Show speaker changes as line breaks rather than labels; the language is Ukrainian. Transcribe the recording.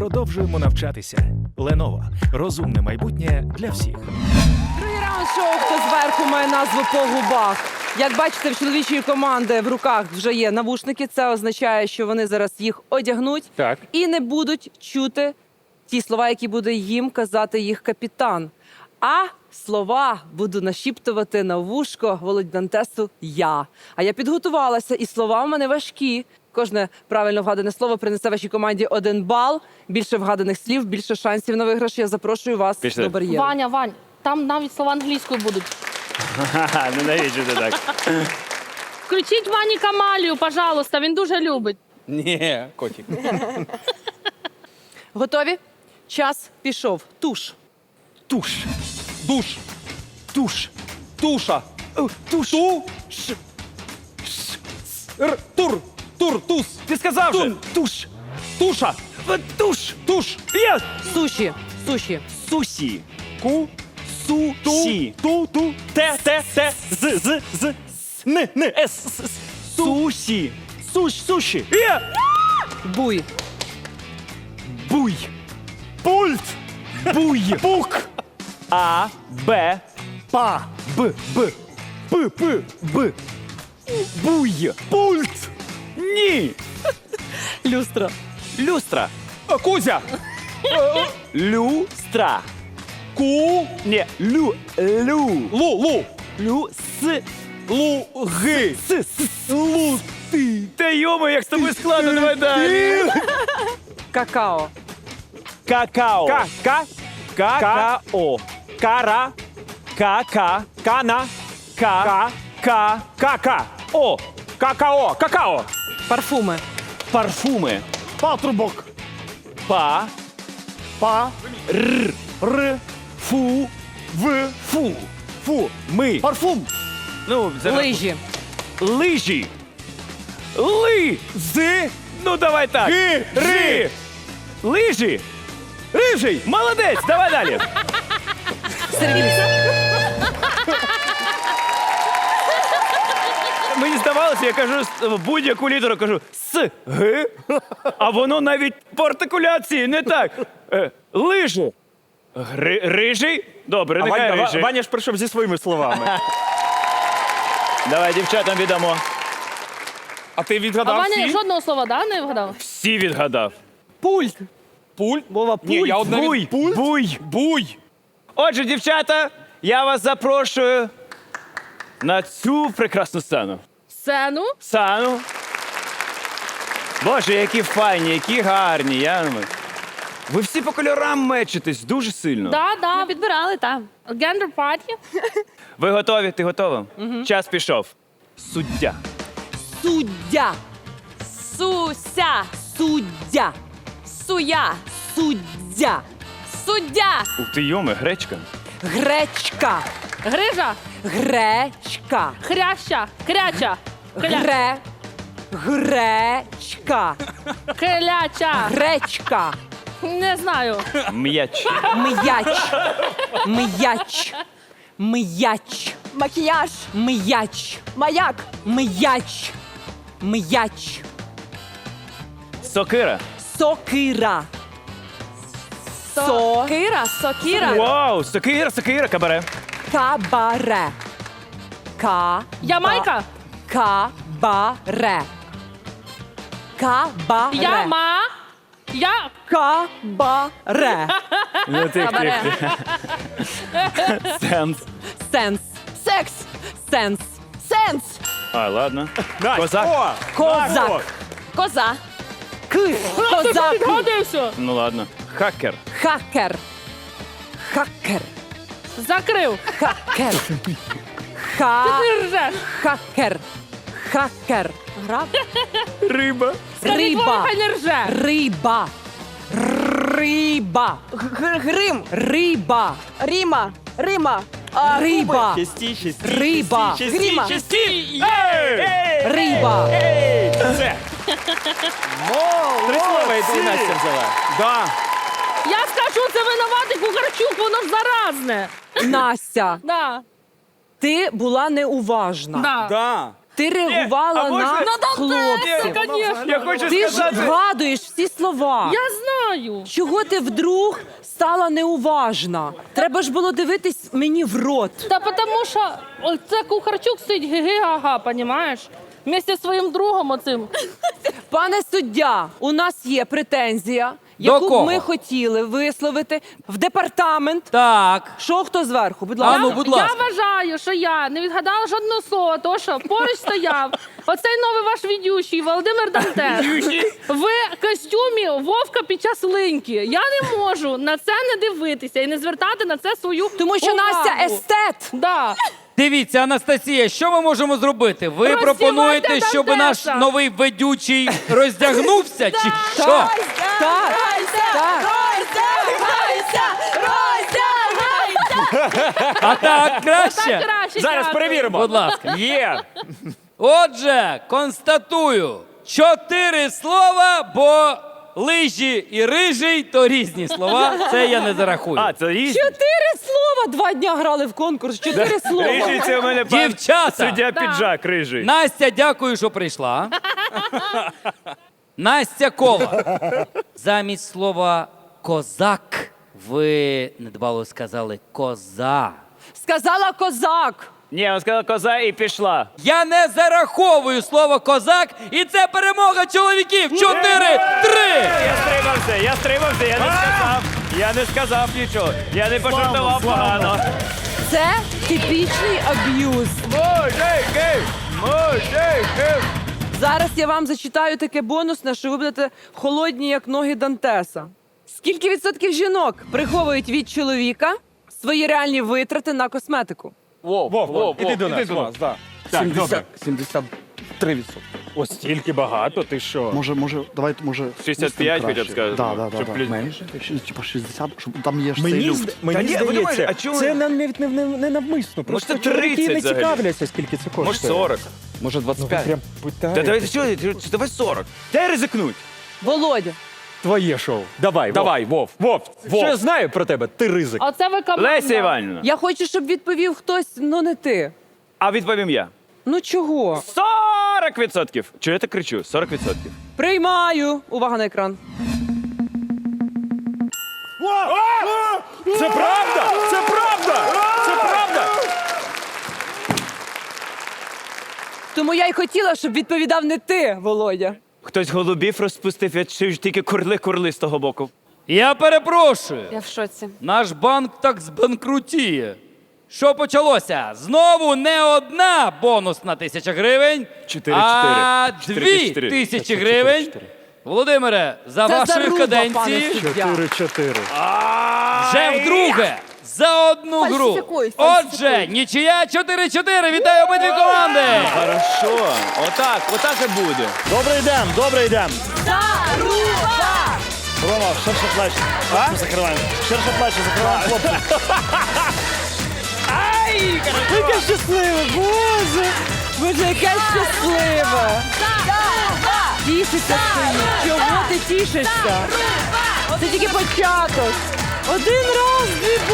продовжуємо навчатися. Lenovo. Розумне майбутнє для всіх.
Другий раунд шоу «Хто зверху» має назву «По губах». Як бачите, в чоловічої команди в руках вже є навушники. Це означає, що вони зараз їх одягнуть
Так.
і не будуть чути ті слова, які буде їм казати їх капітан. А слова буду нашіптувати на вушко Володі Дантесу я. А я підготувалася, і слова в мене важкі. Кожне правильно вгадане слово принесе вашій команді 1 бал. Більше вгаданих слів, більше шансів на виграш. Я запрошую вас
Пішли.
до бар'єру.
Ваня, там навіть слова англійською будуть.
Ха-ха, ненавиджу ти так.
Включіть Вані Камалію, пожалуйста, він дуже любить.
Ні, котик.
Готові? Час пішов. Туш.
Туш. Душ. Туш. Туша. Туш. Тур. Тур. Туз.
Ти сказав же!
Туш. Туша.
Туш!
Туш.
Я!
Суші. Суші.
Сусі.
Ку.
Су.
Ту. Ту.
Те. З. Н. С. Сусі. Суші. Я!
Буй.
Буй. Пульт. Буй. Пук. А. Б. Па. Б. Буй. Пульт. Ні.
Люстра.
Люстра.
Кузя.
Люстра.
Ку.
Ні. Лу.
Лу.
Лю. С.
Луги.
Лу. Ти. Та йомо, як з тобою складно, давай далі.
Какао.
Какао.
Какао.
Кара. Кана. О.
Какао.
Парфуми.
Парфуми.
Патрубок.
Па.
Па.
Р. Фу. Фу. Ми.
Парфум.
Ну,
Лижі.
Лижі. З. Ну, давай так. Ри. Лижі. Рижий. Молодець. Давай далі.
Сервіс.
Мені здавалося, я кажу будь-яку літеру, кажу С, Г, а воно навіть по артикуляції не так. Лижі. Рижий? Добре, нехай рижий.
Ваня ж прийшов зі своїми словами.
Давай дівчатам віддамо.
А ти
А
відгадав
Ваня
всі?
жодного слова, да, не вгадав?
Всі відгадав.
Пульт.
Пуль?
Вова,
Ні,
пульт.
я одна
Буй,
від... Пуль?
буй.
Буй.
Отже, дівчата, я вас запрошую на цю прекрасну сцену.
Сцену.
Сану. Боже, які файні, які гарні. Ви всі по кольорам мечитесь дуже сильно.
Да, підбирали, так. Гендер парті.
Ви готові? Ти готова? Час пішов. Суддя.
Суддя.
Суся,
Суддя.
суя,
Суддя.
суддя,
Ух ти, йоме, гречка.
Гречка.
Грижа.
Гречка.
Хряща. Кряча.
Гречка.
Кляча.
Гречка.
Не знаю.
М'яч.
М'яч. М'яч. М'яч.
макіяж,
М'яч.
маяк,
М'яч. М'яч.
Сокира.
Сокира.
кира, сокіра,
Вау, сокира, кабаре.
Кабаре.
Ямайка.
Кабаре. Кабаре.
Я.
Кабаре.
Ну, тих. Сенс.
Сенс.
секс,
Сенс.
сенс,
А, ладно.
Настя.
Козак.
О,
Козак.
Настя.
коза,
Козак.
Підгодився.
Ну ладно. Хакер.
Хакер. Хакер.
Закрив.
Хакер.
Ти ржеш.
Хакер. Хакер.
граб,
Риба.
Скажіть, Вова,
Риба.
хай не рже.
Риба. Риба.
грим,
Риба.
ріма, рима,
Риба.
Часті.
Риба.
гріма,
Риба.
Все. Три слова і ти Настя взяла.
Да.
Я скажу, це винуватий Кухарчук, воно ж заразне.
Настя,
Да.
ти була неуважна.
Да.
Да.
Ти реагувала
а можна-
на хлопців.
Конечно.
Я хочу
Ти ж
сказати.
згадуєш всі слова.
Я знаю.
Чого ти вдруг стала неуважна? Треба ж було дивитись мені в рот.
Та тому що це Кухарчук сидить ги-га-га, понімаєш? Вместе зі своїм другом оцим.
Пане суддя, у нас є претензія, яку б
кого?
ми хотіли висловити в департамент.
Так.
Що хто зверху? Будь
А
ласка.
ну, будь
Я
ласка.
вважаю, що я не відгадала жодного слова, тому що поруч стояв оцей новий ваш ведючий Володимир Дантес. В костюмі Вовка під час линьки. Я не можу на це не дивитися і не звертати на це свою
Тому що
увагу.
Настя естет.
Да.
Дивіться, Анастасія, що ми можемо зробити? Ви
Роздівайте
пропонуєте, щоб наш
Дантеса.
новий ведучий роздягнувся, чи що?
Так, так.
А так краще?
Так краще.
Зараз
дякую.
перевіримо.
Будь ласка.
Є.
Отже, констатую, 4 слова, бо лижі і рижий то різні слова. Це я не зарахую.
А, це різні.
4 слова. 2 дня грали в конкурс. 4 слова.
Рижий це у мене пан
Дівчата!
суддя піджак рижий.
Настя, дякую, що прийшла. Настя Кола. Замість слова козак ви недбало сказали коза.
Сказала козак.
Ні, вона сказала коза і пішла.
Я не зараховую слово козак, і це перемога чоловіків. 4-3.
Я стримався, я не сказав нічого. Я не пожартував погано.
Це типічний аб'юз.
Мужики!
Зараз я вам зачитаю таке бонусне, що ви будете холодні, як ноги Дантеса. Скільки відсотків жінок приховують від чоловіка свої реальні витрати на косметику?
Вов, іди до нас. да.
73%.
Ось стільки багато, ти що?
Може, давайте, може...
65 хоча б сказати.
Да.
Щоб плюс-
Менше? Типа 60, щоб там є ж цей люфт.
Та
Мені
ні, ви думаєте,
здається,
а чому-
це навіть не навмисно. Просто
це
чоловіки
30
не
взагалі.
цікавляться, скільки це коштує.
Може 40.
Може
Ну, ви
25.
прям
Та
питаєте.
давай, що, давай 40. Дай ризикнуть.
Володя,
Твоє шоу. Давай, Вов. Що я знаю про тебе? Ти ризик.
Оце ви команда.
Леся Іванівна.
я хочу, щоб відповів хтось, ну не ти.
А відповім я.
Ну чого?
40%. Чого я так кричу? 40%.
Приймаю. Увага на екран.
Це правда! Це правда! Це правда!
Тому я й хотіла, щоб відповідав не ти, Володя.
Хтось голубів розпустив, я чую тільки курли з того боку.
Я перепрошую.
Я в шоці.
Наш банк так збанкрутіє. Що почалося? Знову не одна бонусна 1000 гривень,
4-4.
а
4-4.
2000 гривень. Володимире, за
Це
вашої
заруба,
каденції
пане суддя.
4-4.
вже вдруге за одну гру.
Фальсифікуй,
Отже, нічия 4-4. Вітаю обидві команди.
Хорошо. Отак і буде.
Добре йдем.
Заруба!
Рома, ширше плечі. А? Закриваємо. Ширше плечі, закриваємо хлопці.
Яке щасливе, Боже! Боже, яке щасливе! Тішиться стоїть. Чого ти тішишся? Це тільки початок. 1 раз, 2